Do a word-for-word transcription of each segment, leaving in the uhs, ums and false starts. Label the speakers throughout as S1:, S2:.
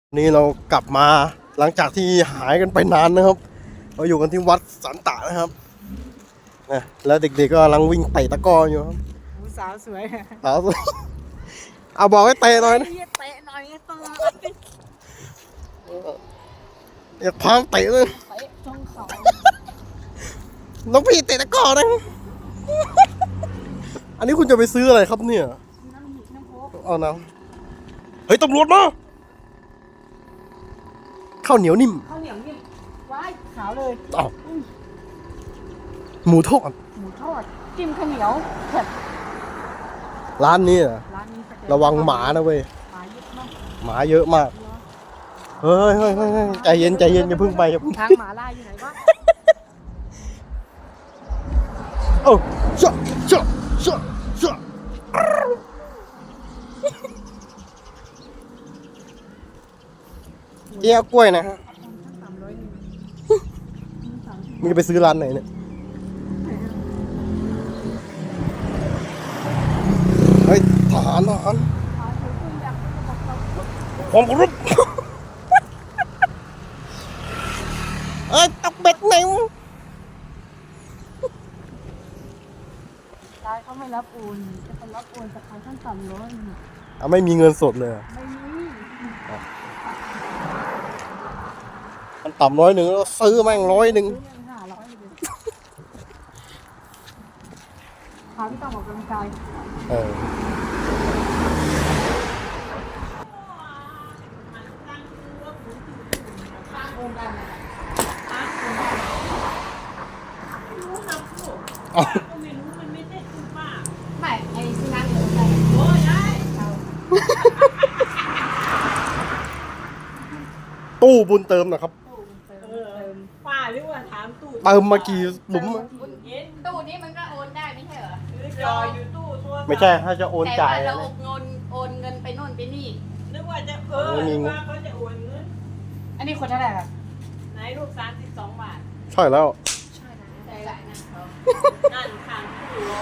S1: นี่เรากลับมาหลังจากที่หายกันไปนานนะครับเราอยู่กันที่วัดสันตะนะครับนะแล้วเด็กๆก็กำลังวิ่งเตะตะกร้ออยู่ครับ
S2: สาวสวย
S1: เอาสิเอาบอกให้เตะหน่อยนะ
S2: เตะหน่อยตลอด
S1: อย่าพามเตะเลย
S2: เตะจงเขา
S1: น้องพี่เตะตะกร้อนะอันนี้คุณจะไปซื้ออะไรครับเนี่ย
S2: น้ำหยิบน้ำโค้ก
S1: เอาน้ำเฮ้ยตำรวจมาข้าวเหนียวนิ่ม
S2: ข้าวเหนียวนิ่มว้ายขาวเลย
S1: อ้าวหมูทอด
S2: หมูทอดจิ้มข้าวเหนียวเผ็ด
S1: ร้านนี้เหรอ
S2: ร้านนี้สเต็ก
S1: ระวังหมานะเว้ย
S2: หมาเยอะมาก
S1: หมาเยอะมากเฮ้ยเฮ้ยเฮ้ยเฮ้ยใจเย็นใจเย็นอย่าเพิ่งไปอย่าเพิ่ง
S2: ทางหมาล่าอยู่ไหนวะ
S1: โอ้ชะชะชะชะเจี๊ยบกล้วยนะฮะ
S2: สามร้อยหนึ่ง
S1: มึงจะไปซื้อร้านไหนเนี่ยเฮ้ยทหารทหารความเคารพเอ้ยตกเบ็ดไหนวะ
S2: ร้านเขาไม่รับโอนจะไปรับโอนจากทางขั้นต่ำร้อยหนึ่ง
S1: อ่ะไม่มีเงินสดเลยเหรอ
S2: ไม่มี
S1: มันต่ำร้อยหนึ่งแล้วซื้อแม่งร้อยหนึ่ง
S2: ซื้อยังห้าร้อยเลยพาพี่ต้องออกกำลังกาย
S1: เออเอา
S2: ไม่ไอ้ที่นั่งอยู่ไหน
S1: ตู้บุญเติมนะครับ
S3: ป้าหรือว่าถามตู้
S1: เติมมากี่หลุมอะ
S3: เห็น
S4: ตู้นี้มันก็โอนได้ไม่ใช่เหรอ
S3: ถือจออยู่ตู้โทรศัพท์
S1: ไม่ใช่ถ้าจะโอน
S4: แต่
S1: จ่า
S4: ว่าย เรา
S1: นะ
S4: โอนโอนเงินไปโน่นไปนี่
S3: นึกว่าจะเออนึกว่าเขาจะโอนเงิน
S2: อันนี้คนเท่าไหร่ครับ
S3: ไหนลูกสามสิบสองบาท
S1: ใช่แล้ว
S4: ใจหลายนะเขา
S3: นั่นทางตู้รอ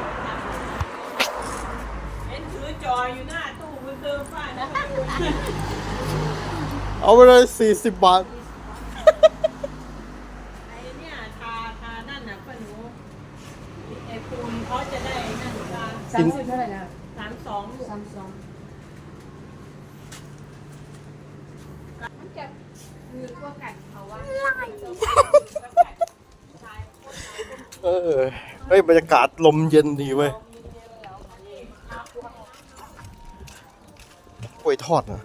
S3: เห็นถือจออยู่หน้าตู้มันเติมป้านะ
S1: เอาไปเลยสี่สิบบาท
S3: ไอ้เนี่ยทาทานั่นน่ะป้าหนูไอ้ปูนเขาจะได้นั่นทา
S2: สามสิบเท่าไหร่นะ
S3: สามสองลูก
S2: สามสอง
S4: มันจะมีพวกกันเขาว่า
S1: เออเฮ้ยบรรยากาศลมเย็นดีเว้ยกล้วยทอดนะ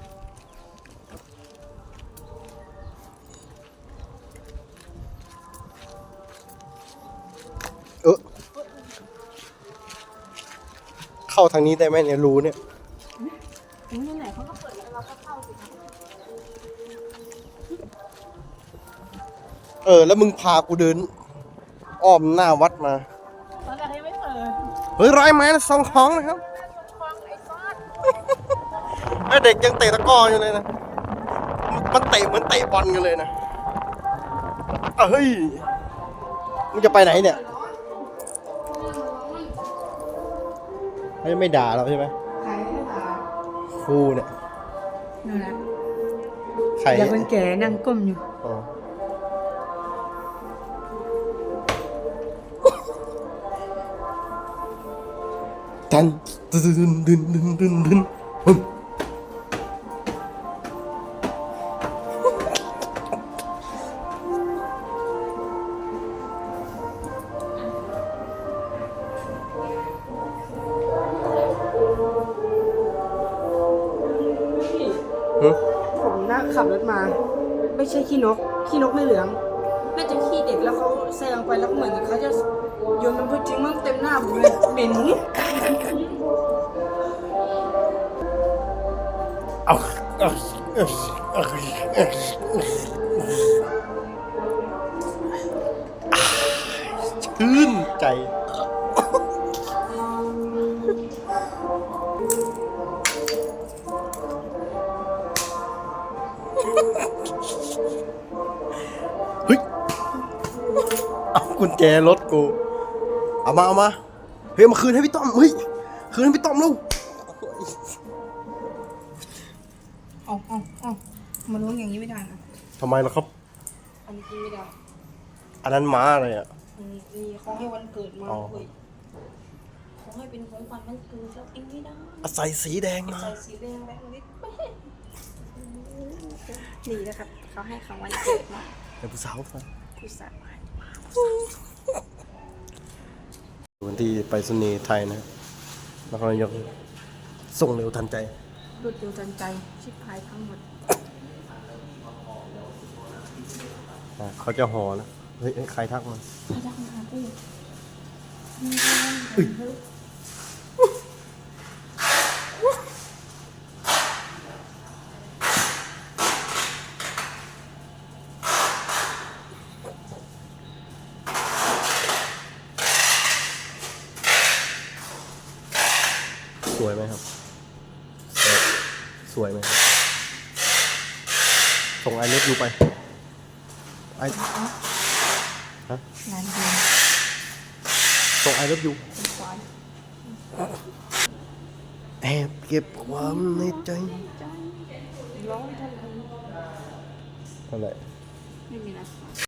S1: เออเข้าทางนี้ได้ไหมเนี่ยรูเนี่ย
S2: ถึงที่ไหนเขาก็เปิดแล้วเราก็เข้าสิครับ
S1: เออ แล้วมึงพากูเดิน อ้อมหน้าวัดมา
S2: ตอนแรกยังไม่เปิด
S1: เฮ้ยร้อยไม้นะสองของนะครับ
S2: ฟังไอ้ซอส
S1: ไอ้เด็กยังเตะตะกร้ออยู่เลยนะ มันเตะเหมือนเตะบอลกันเลยนะอ่ะเฮ้ย มึงจะไปไหนเนี่ยไม่ไม่ด่าเราใช่ไหม
S2: ใครไม่ด่า
S1: ครูเนี่ย
S2: นู่นนะ
S1: ใคร
S2: อย่าคนแก่นั่งก้มอยู่
S1: อ๋อดันดึนดึนดึนดึนดึนดึนฮึ่มฮึ
S2: ผมนั่งขับรถมา ไม่ใช่ขี้นก ขี้นกไม่เหลือง น่าจะขี้เด็กแล้วเขาแซงไปแล้วเหมือนเขาจะโยนมันพูดจริงมั่งเต็มหน้าผมเลยเหม็น
S1: เอาเอาเอาเอาชื่นใจ เฮ้ย เอากุญแจรถกู เอามาเอามา เฮ้ยมาคืนให้พี่ต้อม เฮ้ย คืนให้พี่ต้อมลูก
S2: เอาเอาอ๋อมาล้วงอย่างนี้ไม่ได้นะ
S1: ทำไมล่ะครับ
S2: อันนี้กินไม่ได้
S1: อันนั้นม้าอะไรอ่ะ
S2: อันนี้มีของให้วันเกิดมา
S1: อ๋อ
S2: เว้ยของให้เป็นของขวัญวันเกิดแล้วเองไม่ได้
S1: อ่ะใส่สีแดงมา
S2: ใส่สีแดงแบงค์นิดนี่นะครับเขาให้ของวันเกิดมา
S1: ไอ้ผู้สาวมา
S2: ผู้สาว
S1: วันที่ไปรษณีย์ไทยนะนครนายกส่งเร็วทันใจ
S2: รวดเร็วทันใจชิบหายทั้งหมด
S1: อ่ะเขาจะห่อแล้วเฮ้ยเฮ้ยใครทักมา
S2: พยักหน้ากู
S1: สวยไหมครับสวยสวยไหมครับส่งไอเล็บยูไปไอฮะ
S2: งานเดียว
S1: ส่งไอเล็บยู
S2: เป็นควาย
S1: แอบเก็บความในใจ
S2: ร้องเท่าไหร่
S1: เท่าไหร่
S2: ไม่มีนะ